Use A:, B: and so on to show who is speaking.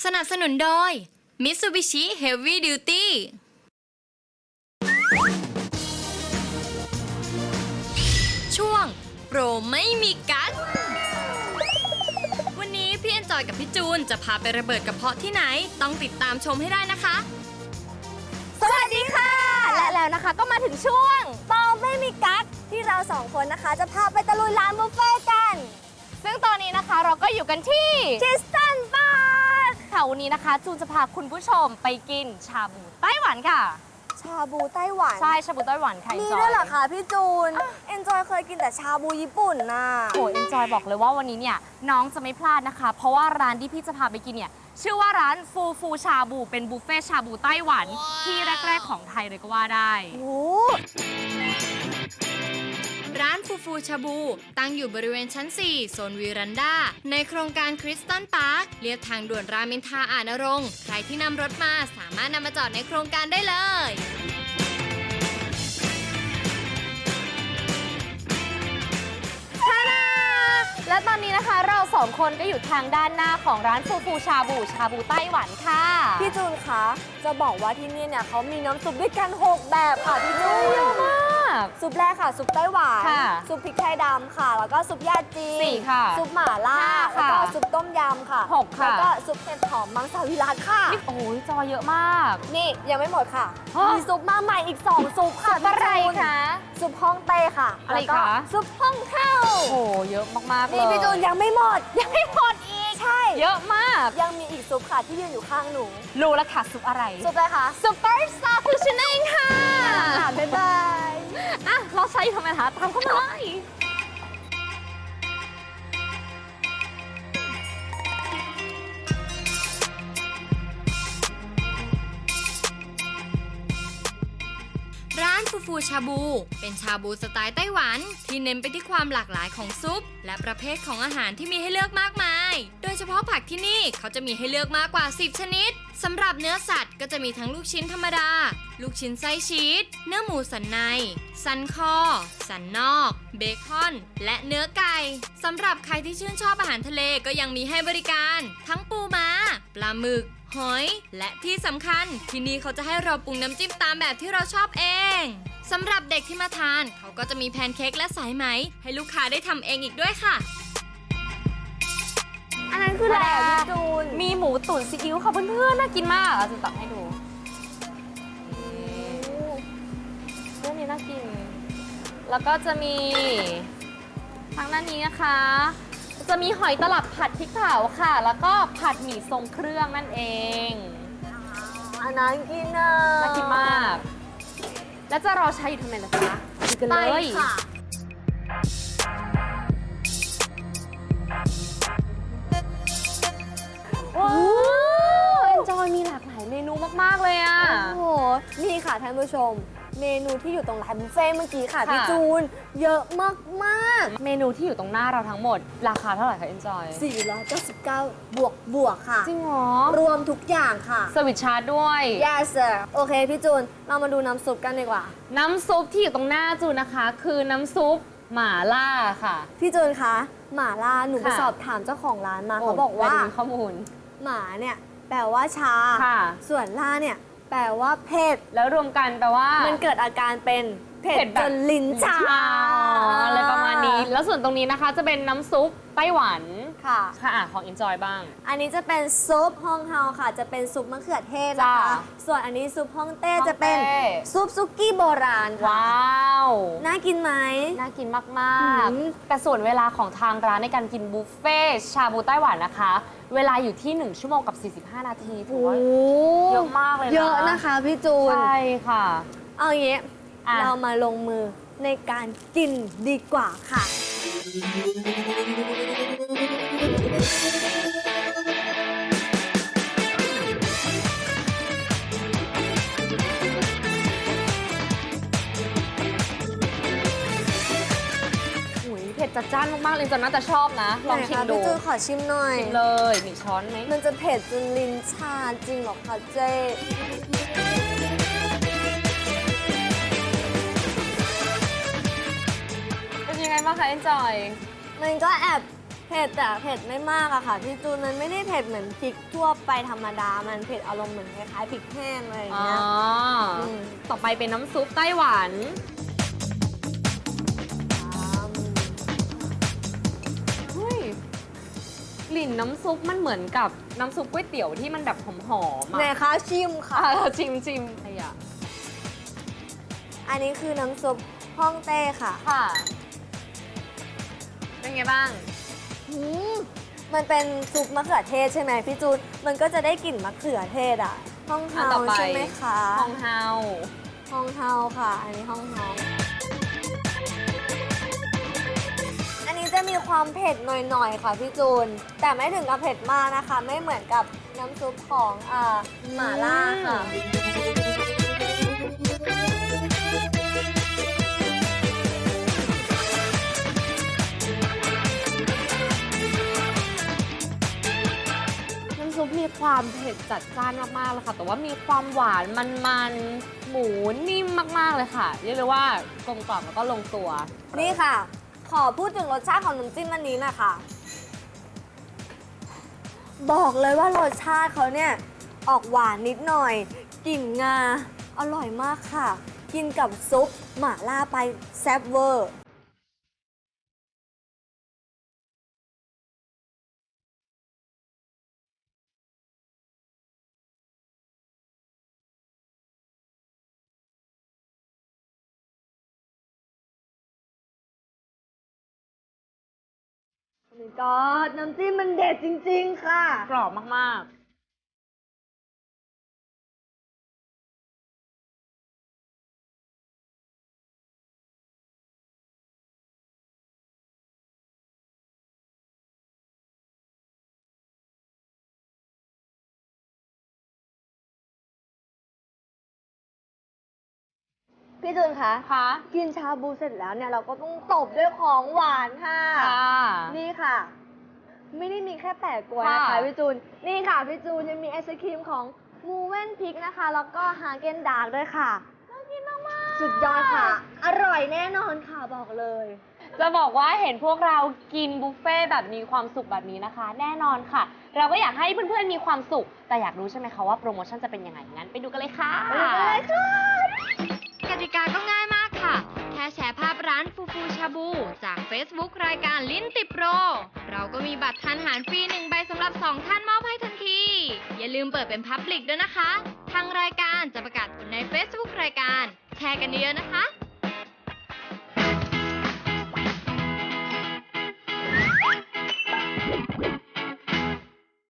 A: สนับสนุนโดย Mitsubishi Heavy Duty ช่วงโปรไม่มีกั๊กวันนี้พี่เอ็นจอยกับพี่จูนจะพาไประเบิดกระเพาะที่ไหนต้องติดตามชมให้ได้นะคะ
B: สวัสดีค่ะ และแล้วนะคะก็มาถึงช่วงโปรไม่มีกั๊กที่เราสองคนนะคะจะพาไปตะลุยร้านบุฟเฟ่ต์กัน ซึ่งตอนนี้นะคะเราก็อยู่กันที่คิสตันบาร์ค่ะวันนี้นะคะจูนจะพาคุณผู้ชมไปกินชาบูไต้หวันค่ะ
C: ชาบูไต้หวัน
B: ใช่ชาบูไต้หวันค่ะ
C: มีด้วยเหรอคะพี่จูน เอ็นจอยเคยกินแต่ชาบูญี่ปุ่นน่ะ
B: โอ้ยเอ็นจอยบอกเลยว่าวันนี้เนี่ยน้องจะไม่พลาดนะคะ เพราะว่าร้านที่พี่จะพาไปกินเนี่ยชื่อว่าร้านฟูฟูชาบูเป็นบุฟเฟ่ชาบูไต้หวันที่แรกๆของไทยเลยก็ว่าได้
C: โอ้
A: ร้านฟูฟูชาบูตั้งอยู่บริเวณชั้น 4 โซนวีรันดาในโครงการคริสตันพาร์คเรียบทางด่วนรามอินทราอาจนรงค์ใครที่นำรถมาสามารถนำมาจอดในโครงการได้เลย
B: และตอนนี้นะคะเราสองคนก็อยู่ทางด้านหน้าของร้านฟูฟูชาบูไต้หวันค่ะ
C: พี่จูนคะจะบอกว่าที่นี่เนี่ยเขามีน้ำซุปด้วยกัน 6 แบบค่ะพี่จูน
B: เยอะมาก
C: ซุปแรกค่ะ ซุปไต้หวาน
B: ค่ะ
C: ซุปพริกไทยดำค่ะ แล้วก็ซุปยาจีน
B: สี่ค่ะ
C: ซุปหม่าล่า
B: ห้า
C: แล้ว
B: ค่ะ
C: ก็ซุปต้มยำค่ะ
B: หกค่ะ
C: แล้วก็ซุปเห็ดหอมมังสวิรัติค่ะ
B: โอ้ยจอเยอะมาก
C: นี่ยังไม่หมดค่ะ
B: ฮะ
C: มีซุปมาใหม่อีก 2 ซุปค่ะพี่
B: อะไร
C: จูน
B: คะ
C: ซุปฮ่องเต้ค่ะ
B: อะไร
C: แล้วก็
B: คะ
C: ซุปฮ่องเต้า
B: โอ้เยอะมากๆเลย
C: นี่พี่จูนยังไม่หมด
B: ยังไม่หมดอีก
C: ใช่
B: เยอะมาก
C: ยังมีอีกซุปค่ะที่ยืนอยู่ข้างหนู
B: รู้แล้วค่ะซุปอะไร
C: ซุปอะไรคะ
B: ซุปเปอร์สตาร์ฟูชนเองค่ะ
C: ค่ะบ๊ายบาย
B: อ่ะเราใช้ทำไมคะตามเข้ามาเลย
A: ร้านฟูฟูชาบูเป็นชาบูสไตล์ไต้หวันที่เน้นไปที่ความหลากหลายของซุป และประเภทของอาหารที่มีให้เลือกมากมาย โดยเฉพาะผักที่นี่เขาจะมีให้เลือกมากกว่า 10 ชนิดสำหรับเนื้อสัตว์ก็จะมีทั้งลูกชิ้นธรรมดา ลูกชิ้นไส้ชีสเนื้อหมูสันใน สันคอ สันนอก เบคอน และเนื้อไก่สำหรับใครที่ชื่นชอบอาหารทะเลก็ยังมีให้บริการ ทั้งปูม้าปลาหมึก หอย และที่สำคัญที่นี่เขาจะให้เราปรุงน้ำจิ้มตามแบบที่เราชอบเองสำหรับเด็กที่มาทานเขาก็จะมีแพนเค้กและสายไหมให้ลูกค้าได้ทำเองอีกด้วยค่ะ
C: อันนั้นคืออะไรอ่ะพี่จูน
B: มีหมูตุ๋นซีอิ๊วค่ะเพื่อนๆน่ากินมากอ่ะจะตักให้ดูเรื่องนี้น่ากิน แล้วก็จะมีทางด้านนี้นะคะ จะมีหอยตลับผัดพริกเผาค่ะ แล้วก็ผัดหมี่ทรงเครื่องนั่นเอง
C: อันนั้นกินอ่ะ
B: น่ากินมาก แล้วจะรอใช้อยู่ทำไมล่ะคะดูกัน
C: ไป
B: เลย
C: ค่ะ
B: ว้าวเอ็นจอยมีหลากหลายเมนูมากๆเลยอ่ะ
C: โอ้โห นี่ค่ะท่านผู้ชม เมนูที่อยู่ตรงร้านบุฟเฟ่ต์เมื่อกี้ค่ะ
B: ค่ะ
C: พี่จูน เยอะมาก
B: เมนูที่อยู่ตรงหน้าเราทั้งหมด ราคาเท่าไหร่คะเอ็นจอย
C: ๆ499บวกค่ะ
B: จริงเหรอ
C: รวมทุกอย่างค่ะ
B: สวิตชาร์จด้วย
C: yes sir โอเคพี่จูน เรามาดูน้ำซุปกันดีกว่า
B: น้ำซุปที่อยู่ตรงหน้าจูนนะคะ คือน้ำซุปหม่าล่าค่ะ
C: พี่จูนคะหม่าล่าหนูไป
B: ค่ะ
C: สอบถามเจ้าของร้านมาเขาบอกว่า
B: ได้ดูข้อมูล
C: หมาเนี่ยแปลว่าชา
B: ค่ะ
C: ส่วนล่าเนี่ยแปลว่าเผ็ด
B: แล้วรวมกันแปลว่า
C: มันเกิดอาการเป็นเผ็ด
B: แบบ
C: จนลิ้นชา
B: อะไรประมาณนี้ แล้วส่วนตรงนี้นะคะจะเป็นน้ำซุปไต้หวัน
C: ค่ะ
B: ค่ะอ่ะของ Enjoy บ้าง
C: อันนี้จะเป็นซุปฮ่องเฮาค่ะ จะเป็นซุปมะเขือเทศนะคะ
B: จ้ะ
C: ส่วนอันนี้ซุปฮ่องเต้
B: ฮ่องเต้
C: จะเป็นซุปซุกี้โบราณค่ะ
B: ว้าว
C: น่ากินไหม
B: น่ากินมาก
C: อืม
B: ๆ แต่ส่วนเวลาของทางร้านในการกินบุฟเฟ่ต์ชาบูไต้หวันนะคะ เวลาอยู่ที่ 1 ชั่วโมงกับ 45 นาทีถือว่าเยอะมากเลยนะ
C: เยอะนะคะพี่จูน
B: ใช่ค่ะ
C: เอาอย่างงี้
B: อ่ะ
C: เรามาลงมือในการกินดีกว่าค่ะ
B: อุ๊ยเผ็ดจัดจ้านมากๆเลยจนน่าจะชอบนะ ลองชิม
C: ไหนคะ
B: ดู
C: พี่จูนขอชิมหน่อย
B: ชิมเลยมีช้อนไหม
C: มันจะเผ็ดจนลิ้นชาจริงเหรอคะเจ๊
B: เป็นยังไงบ้างคะ Enjoy
C: มันก็แอบเผ็ดแต่เผ็ดไม่มากอะค่ะพี่จูนมันไม่ได้เผ็ดเหมือนพริกทั่วไปธรรมดา มันเผ็ดอารมณ์เหมือนคล้ายๆพริกแห้งอะไรอย่าง
B: อ๋อ
C: เงี้ย ม
B: ต่อไปเป็นน้ำซุปไต้หวัน เฮ้ย กลิ่นน้ำซุปมันเหมือนกับน้ำซุปก๋วยเตี๋ยวที่มันแบบหอมๆ
C: ไหน
B: อ่ะ
C: คะชิมค่ะ
B: ชิมอะไรอ่ะ
C: อันนี้คือน้ำซุปฮ่องเต้ค่ะ
B: ค่ะ เป็นไงบ้าง
C: อืมมันเป็นซุปมะเขือเทศใช่ไหมพี่จูน มันก็จะได้กลิ่นมะเขือเทศอ่ะฮ่อง
B: อัน
C: เฮา
B: ต่อไป
C: ใช่ไหมคะ
B: ฮองเฮา
C: ฮ่องเฮาค่ะ อันนี้ฮ่องเฮาอันนี้จะมีความเผ็ดหน่อยๆค่ะพี่จูน แต่ไม่ถึงกับเผ็ดมากนะคะ ไม่เหมือนกับน้ำซุปของหม่าล่าค่ะ
B: น้ำซุปมีความเผ็ดจัดจ้านมากๆเลยค่ะ แต่ว่ามีความหวานมันๆ หมูนิ่มมากๆเลยค่ะ เรียกเลยว่ากลมกล่อมแล้วก็ลงตัว
C: นี่ค่ะ ขอพูดถึงรสชาติของน้ำจิ้มอันนี้นะคะ บอกเลยว่ารสชาติเขาเนี่ย ออกหวานนิดหน่อย กลิ่นงา อร่อยมากค่ะ กินกับซุปหม่าล่าไปแซ่บเวอร์ นี่ก็น้ำจิ้มมันเด็ดจริงๆค่ะ
B: กรอบมากๆ
C: พี่จูนคะ
B: ค่ะ
C: กินชาบูเสร็จแล้วเนี่ยเราก็ต้องตบด้วยของหวานค่ะ
B: ค่ะ
C: นี่ค่ะ ไม่ได้มีแค่แปะกล้วยนะคะ
B: ค่ะ
C: พี่จูน นี่ค่ะพี่จูนยังมีไอศครีมของมูเว่นพิกนะคะ แล้วก็ฮาเกนดาร์กด้วยค่ะน่ากินมากๆสุดยอดค่ะ อร่อยแน่นอนค่ะบอกเลย
B: จะบอกว่าเห็นพวกเรากินบุฟเฟ่ต์แบบมีความสุขแบบนี้นะคะ แน่นอนค่ะ เราก็อยากให้เพื่อนๆมีความสุข แต่อยากรู้ใช่ไหมคะว่าโปรโมชั่นจะเป็นยังไง งั้นไปดูกันเลยค่ะ
C: ไปดูกันเลยค่ะ
A: กติกาก็ง่ายมากค่ะ แค่แชร์ภาพร้านฟูฟูชาบู จาก Facebook รายการลิ้นติดโปร เราก็มีบัตรทานอาหารฟรี1 ใบสำหรับ 2 ท่านมอบให้ทันที อย่าลืมเปิดเป็นพับลิกด้วยนะคะ ทางรายการจะประกาศผลใน Facebook รายการ แชร์กันเยอะๆนะคะ